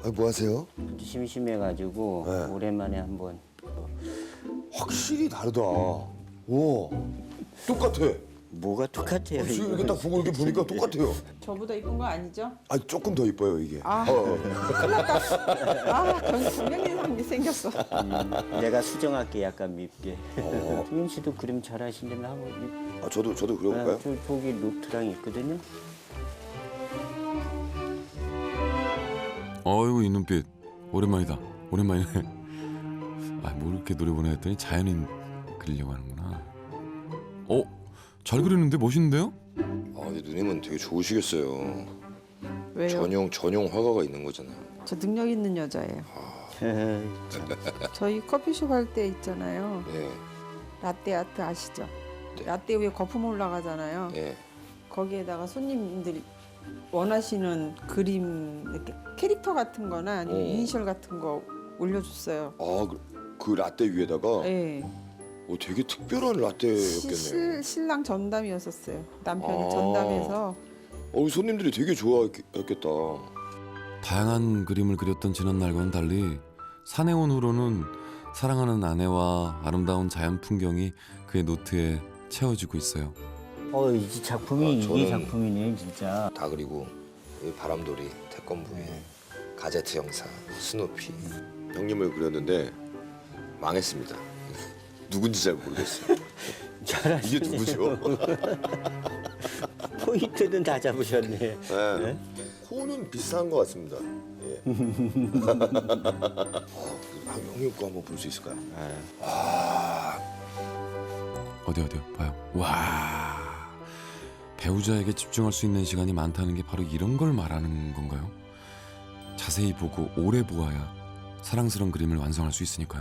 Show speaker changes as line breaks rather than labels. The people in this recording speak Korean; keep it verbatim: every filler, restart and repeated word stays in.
아, 뭐 하세요?
심심해가지고
네.
오랜만에 한번.
확실히 다르다. 와, 똑같아.
뭐가 똑같아요?
지금
이거?
이렇게 딱 보고 이렇게 보니까 똑같아요.
저보다 이쁜 거 아니죠?
아, 조금 더 이뻐요 이게.
아,
어, 어.
아, 전 동양인상이 생겼어.
음, 내가 수정할게 약간 밉게.
어.
승윤 씨도 그림 잘하신다면 한번.
아, 저도 저도
아,
그려볼까요?
저, 저기 노트랑 있거든요.
어이구 이 눈빛 오랜만이다. 오랜만이네. 아, 뭐 이렇게 노래 보내 했더니 자연인 그리려고 하는구나. 어? 잘 그리는데 멋있는데요?
아, 근데 누님은 되게 좋으시겠어요.
왜요?
전용 전용 화가가 있는 거잖아요.
저 능력 있는 여자예요. 저희 커피숍 할 때 있잖아요.
네,
라떼 아트 아시죠?
네.
라떼 위에 거품 올라가잖아요.
네.
거기에다가 손님들이 원하시는 그림 이렇게 캐릭터 같은 거나 아니면
어.
이니셜 같은 거 올려줬어요.
아, 그, 그 라떼 위에다가
네.
어, 되게 특별한
시-
라떼였겠네요.
실, 신랑 전담이었었어요. 남편이
아.
전담해서
어, 손님들이 되게 좋아했겠다.
다양한 그림을 그렸던 지난날과는 달리 산에 온 후로는 사랑하는 아내와 아름다운 자연 풍경이 그의 노트에 채워지고 있어요.
어, 이 작품이
아,
이게
저는-
작품이네 진짜.
다 그리고 이 바람돌이, 태권부이, 가제트 형사, 스누피 형님을 그렸는데 망했습니다. 누군지 잘 모르겠어요.
잘하시네.
이게 누구죠?
포인트는 다 잡으셨네.
네. 코는 비슷한 것 같습니다. 예. 아, 형님 거 한번 볼 수 있을까요?
어디 어디요? 봐요. 와, 배우자에게 집중할 수 있는 시간이 많다는 게 바로 이런 걸 말하는 건가요? 자세히 보고 오래 보아야 사랑스러운 그림을 완성할 수 있으니까요.